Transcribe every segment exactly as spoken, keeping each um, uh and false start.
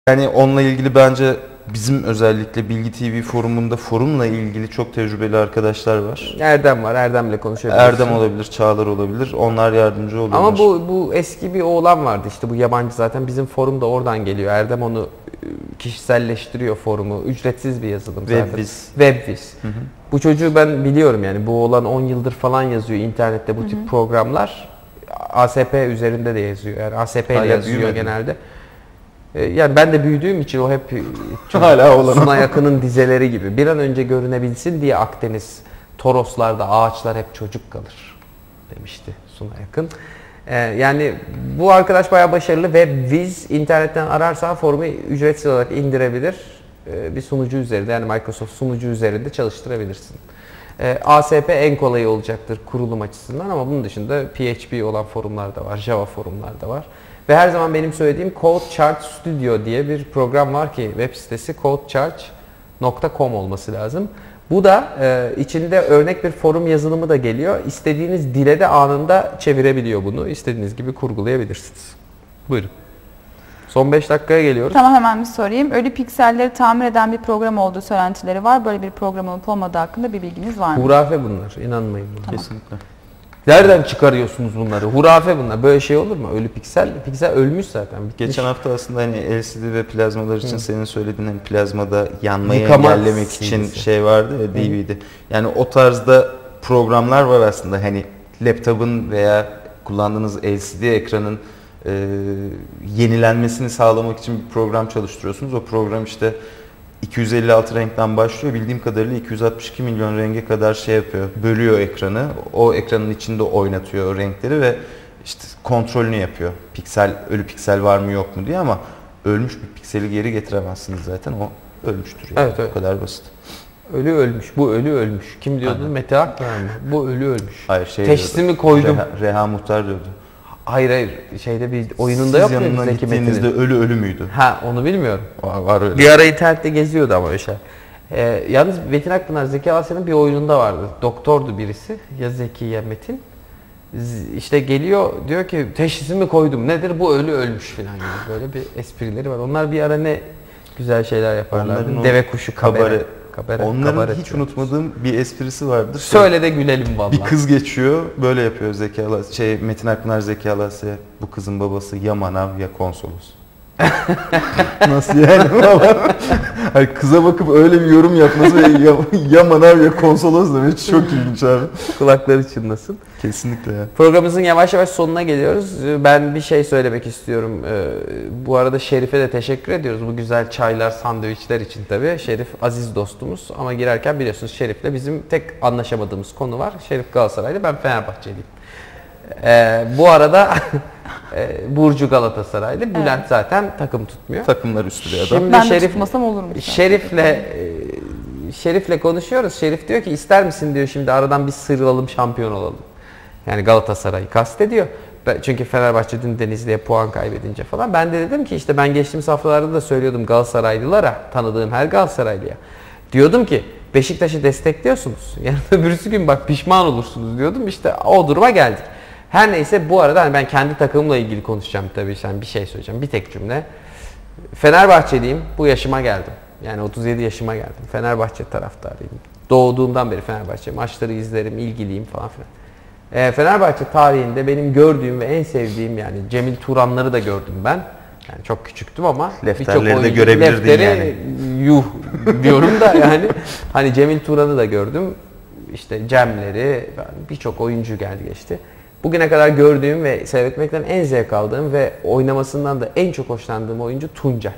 Yani onunla ilgili bence bizim özellikle Bilgi T V forumunda forumla ilgili çok tecrübeli arkadaşlar var. Erdem var, Erdem'le konuşabilirsin. Erdem olabilir, Çağlar olabilir. Onlar yardımcı olurlar. Ama bu bu eski bir oğlan vardı işte, bu yabancı zaten, bizim forum da oradan geliyor. Erdem onu kişiselleştiriyor forumu. Ücretsiz bir yazılım zaten. Webviz. Webviz. Hı hı. Bu çocuğu ben biliyorum yani. Bu oğlan on yıldır falan yazıyor internette bu hı hı. tip programlar. A S P üzerinde de yazıyor. Yani A S P ile yazıyor büyümedi. Genelde. Yani ben de büyüdüğüm için o hep hala Sunay Akın'ın dizeleri gibi. Bir an önce görünebilsin diye Akdeniz, Toroslarda ağaçlar hep çocuk kalır demişti Sunay Akın. Ee, yani bu arkadaş bayağı başarılı ve Viz internetten ararsan forumu ücretsiz olarak indirebilir. Ee, bir sunucu üzerinde, yani Microsoft sunucu üzerinde çalıştırabilirsin. Ee, A S P en kolayı olacaktır kurulum açısından ama bunun dışında P H P olan forumlar da var, Java forumlar da var. Ve her zaman benim söylediğim CodeCharge Studio diye bir program var ki web sitesi codecharge nokta com olması lazım. Bu da e, içinde örnek bir forum yazılımı da geliyor. İstediğiniz dile de anında çevirebiliyor bunu. İstediğiniz gibi kurgulayabilirsiniz. Buyurun. Son beş dakikaya geliyoruz. Tamam, hemen bir sorayım. Ölü pikselleri tamir eden bir program olduğu söylentileri var. Böyle bir program olup olmadığı hakkında bir bilginiz var mı? Hurafe bunlar. İnanmayın buna. Tamam. Kesinlikle. Nereden çıkarıyorsunuz bunları? Hurafe bunlar. Böyle şey olur mu? Ölü piksel. Piksel ölmüş zaten. Bitmiş. Geçen hafta aslında hani L C D ve plazmalar için Hı. senin söylediğin hani plazmada yanmayı Yıkama engellemek için C D'si. şey vardı ya, D V D. Yani o tarzda programlar var aslında. Hani laptopun veya kullandığınız L C D ekranın e, yenilenmesini sağlamak için bir program çalıştırıyorsunuz. O program işte iki yüz elli altı renkten başlıyor. Bildiğim kadarıyla iki yüz altmış iki milyon renge kadar şey yapıyor. Bölüyor ekranı. O ekranın içinde oynatıyor o renkleri ve işte kontrolünü yapıyor. Piksel, ölü piksel var mı yok mu diye, ama ölmüş bir pikseli geri getiremezsiniz zaten. O ölmüştür yani. Evet, evet. O kadar basit. Ölü ölmüş. Bu ölü ölmüş. Kim diyordu? Aynen. Mete Akpınar mı? Bu ölü ölmüş. Hayır, şey Teşhisimi diyordu. koydum. Reha, Reha Muhtar diyordu. Hayır hayır. Şeyde bir oyununda Siz yok mu yanına Zeki gittiğinizde Metin'in? ölü ölü müydü? Ha, onu bilmiyorum. Var, var öyle. Bir ara internette geziyordu ama öyle şey. Ee, yalnız Metin Akpınar, Zeki Alasya'nın bir oyununda vardı. Doktordu birisi. Ya Zeki ya Metin. Z- İşte geliyor diyor ki teşhisimi koydum. Nedir? Bu ölü ölmüş falan gibi. Böyle bir esprileri var. Onlar bir ara ne güzel şeyler yaparlardı. Deve kuşu kabare. kabare. kabare Onların kabare hiç diyor. unutmadığım bir esprisi vardır. Söyle de gülelim vallahi. Bir kız geçiyor, böyle yapıyor Zeki Alasya, şey Metin Akpınar Zeki Alasya'ya. Bu kızın babası ya manav ya konsolos. Nasıl yani? Hani kıza bakıp öyle bir yorum yapması ve ya, ya manav ya konsolos demek çok ilginç abi. Kulakları çınlasın. Kesinlikle ya. Programımızın yavaş yavaş sonuna geliyoruz. Ben bir şey söylemek istiyorum. Bu arada Şerif'e de teşekkür ediyoruz. Bu güzel çaylar, sandviçler için tabii. Şerif aziz dostumuz. Ama girerken biliyorsunuz Şerif'le bizim tek anlaşamadığımız konu var. Şerif Galatasaraylı, ben Fenerbahçeliyim. Ee, bu arada Burcu Galatasaraylı. Bülent evet. zaten takım tutmuyor. Takımlar üstü bir adam. Şimdi ben Şerif, de tutmasam olur mu? Şerif'le Şerif'le konuşuyoruz. Şerif diyor ki ister misin diyor şimdi aradan bir sıyrılalım, şampiyon olalım. Yani Galatasaray'ı kastediyor. Çünkü Fenerbahçe dün Denizli'ye puan kaybedince falan. Ben de dedim ki işte ben geçtiğimiz haftalarda da söylüyordum Galatasaraylılara, tanıdığım her Galatasaraylıya. Diyordum ki Beşiktaş'ı destekliyorsunuz. Yarın öbürsü gün bak pişman olursunuz diyordum. İşte o duruma geldik. Her neyse, bu arada hani ben kendi takımımla ilgili konuşacağım tabii. Yani bir şey söyleyeceğim. Bir tek cümle. Fenerbahçeliyim. Bu yaşıma geldim. Yani otuz yedi yaşıma geldim. Fenerbahçe taraftarıyım. Doğduğumdan beri Fenerbahçe. Maçları izlerim, ilgiliyim falan filan. E, Fenerbahçe tarihinde benim gördüğüm ve en sevdiğim, yani Cemil Turanları da gördüm ben. Yani çok küçüktüm ama Lefterleri de görebilirdin lefteri, yani. Yuh diyorum da yani. Hani Cemil Turan'ı da gördüm. İşte Cem'leri, birçok oyuncu geldi geçti. Bugüne kadar gördüğüm ve seyretmekten en zevk aldığım ve oynamasından da en çok hoşlandığım oyuncu Tuncay.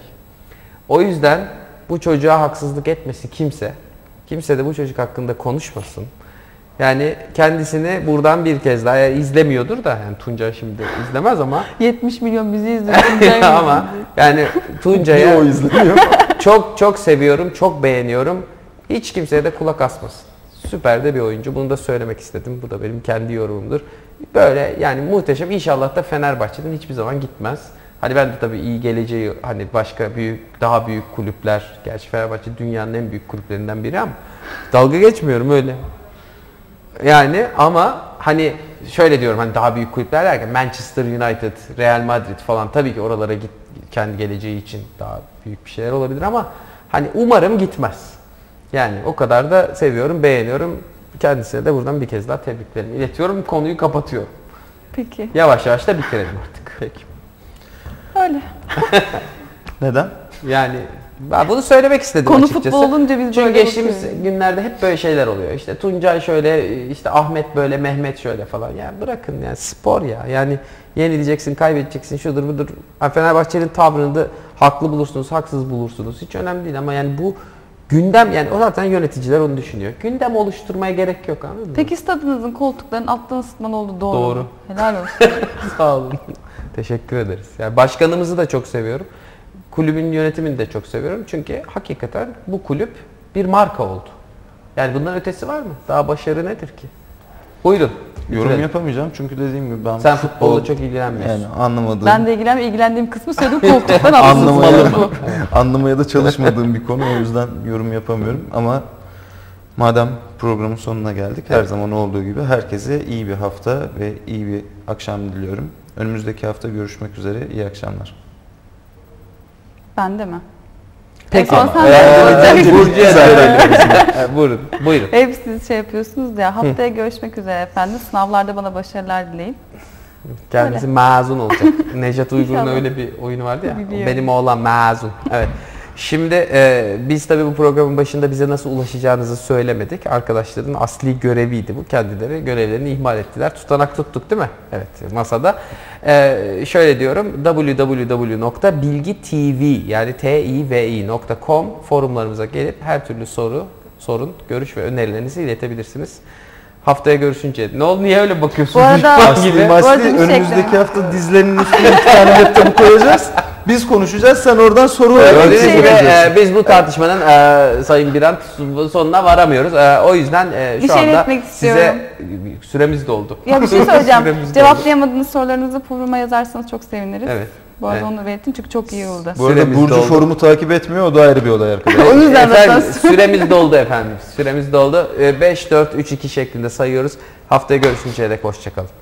O yüzden bu çocuğa haksızlık etmesi kimse, kimse de bu çocuk hakkında konuşmasın. Yani kendisini buradan bir kez daha, yani izlemiyordur da, yani Tuncay şimdi izlemez ama yetmiş milyon bizi izliyor. ama yani Tuncay'a o izlemiyor. Çok çok seviyorum, çok beğeniyorum. Hiç kimseye de kulak asmasın. Süper de bir oyuncu. Bunu da söylemek istedim. Bu da benim kendi yorumumdur. Böyle yani muhteşem. İnşallah da Fenerbahçe'den hiçbir zaman gitmez. Hani ben de tabii iyi geleceği, hani başka büyük, daha büyük kulüpler, gerçi Fenerbahçe dünyanın en büyük kulüplerinden biri ama dalga geçmiyorum öyle. Yani ama hani şöyle diyorum, hani daha büyük kulüpler derken Manchester United, Real Madrid falan, tabii ki oralara git, kendi geleceği için daha büyük bir şeyler olabilir ama hani umarım gitmez. Yani o kadar da seviyorum, beğeniyorum. Kendisine de buradan bir kez daha tebriklerimi iletiyorum. Konuyu kapatıyorum. Peki. Yavaş yavaş da bitirelim artık. Peki. Öyle. Neden? Yani ben bunu söylemek istedim Konu açıkçası. futbol olunca biz Çünkü böyle geçtiğimiz bakıyoruz. günlerde hep böyle şeyler oluyor. İşte Tuncay şöyle, işte Ahmet böyle, Mehmet şöyle falan. Yani bırakın yani spor ya. Yani yenileyeceksin, kaybedeceksin, şudur budur. Yani Fenerbahçe'nin tavrını da haklı bulursunuz, haksız bulursunuz. Hiç önemli değil ama yani bu gündem, yani o zaten yöneticiler onu düşünüyor. Gündem oluşturmaya gerek yok, anladın mı? Peki stadınızın koltuklarının alttan ısıtmalı olduğu doğru Doğru. mu? Helal olsun. Sağ olun. Teşekkür ederiz. Yani başkanımızı da çok seviyorum. Kulübün yönetimini de çok seviyorum. Çünkü hakikaten bu kulüp bir marka oldu. Yani bundan ötesi var mı? Daha başarı nedir ki? Buyurun. Yorum bitirelim. yapamayacağım çünkü dediğim gibi ben Sen futbolla çok ilgilenmiyorsun. yani anlamadığım, Ben de ilgilen, ilgilendiğim kısmı söyledim, koltuktan anlamaya, alttan bu. anlamaya da çalışmadığım bir konu, o yüzden yorum yapamıyorum ama madem programın sonuna geldik, her Evet. zaman olduğu gibi herkese iyi bir hafta ve iyi bir akşam diliyorum. Önümüzdeki hafta görüşmek üzere, iyi akşamlar. Ben de mi? Peki. En son sen Ee, de- önce Burcu'ya söyleyelim. Ee, Buyurun. Buyurun. Hep siz şey yapıyorsunuz ya. Haftaya görüşmek üzere efendim. Sınavlarda bana başarılar dileyin. Kendisi mezun olacak. Nejat Uygur'un İnşallah. öyle bir oyunu vardı ya. Biliyorum. Benim oğlan mezun. Evet. Şimdi e, biz tabii bu programın başında bize nasıl ulaşacağınızı söylemedik. Arkadaşların asli göreviydi bu. Kendileri görevlerini ihmal ettiler. Tutanak tuttuk değil mi? Evet, masada. E, şöyle diyorum. double-u double-u double-u nokta bilgi t v yani t i v i nokta com forumlarımıza gelip her türlü soru, sorun, görüş ve önerilerinizi iletebilirsiniz. Haftaya görüşünce. Ne oldu? Niye öyle bakıyorsunuz? Bu arada- Düşman Asli gibi. Bu arada masli bir şey önümüzdeki ekleme. hafta dizlerinin üstüne iki tane laptopu koyacağız. Biz konuşacağız, sen oradan soru Gördüğünüz şey gibi vereceksin. e, biz bu tartışmanın e, Sayın Birant sonuna varamıyoruz. E, o yüzden e, şu Bir şey anda iletmek istiyorum. size süremiz doldu. Ya bir şey söyleyeceğim. Süremiz doldu. Cevaplayamadığınız sorularınızı foruma yazarsanız çok seviniriz. Evet. Bu arada Evet. onu belirtin çünkü çok iyi oldu. Bu arada Süremiz Burcu doldu. forumu takip etmiyor, o da ayrı bir olay arkadaşlar. O yüzden Efendim, zaten- süremiz doldu efendim. Süremiz doldu. beş, dört, üç, iki şeklinde sayıyoruz. Haftaya görüşünceye dek hoşçakalın.